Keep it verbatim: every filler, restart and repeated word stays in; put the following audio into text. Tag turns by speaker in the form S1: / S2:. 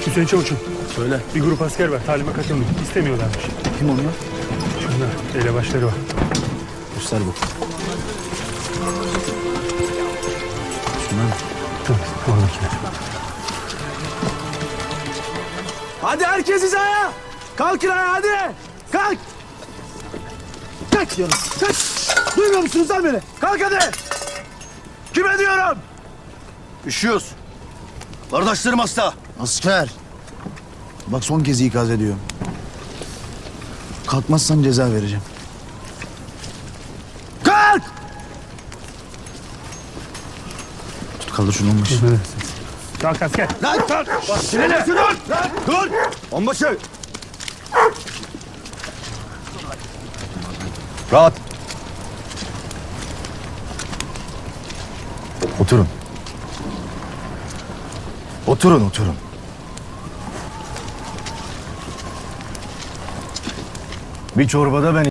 S1: Hüseyin Çavuş'um.
S2: Söyle.
S1: Bir grup asker var. Talime katılmıyor. İstemiyorlarmış.
S2: Kim onlar?
S1: Şunlar. Elebaşları var.
S2: Göster bu. Şunlar mı?
S1: Tamam. Oradakiler.
S2: Hadi herkes hizaya. Kalkın ayağa hadi. Kalk. Kalk diyorum. Kalk. Duymuyor musunuz lan beni? Kalk hadi. Kime diyorum?
S3: Üşüyoruz. Kardeşlerim hasta.
S4: Asker. Bak son kez ikaz ediyorum. Kalkmazsan ceza vereceğim.
S2: Kalk.
S4: Tut kaldır şunu olmuş.
S1: Kalk asker.
S2: Lan kalk. Bak sinirli. Dur. Lan dur.
S3: Onbaşı. Rahat.
S4: Oturun. Oturun oturun. Bir çorbada ben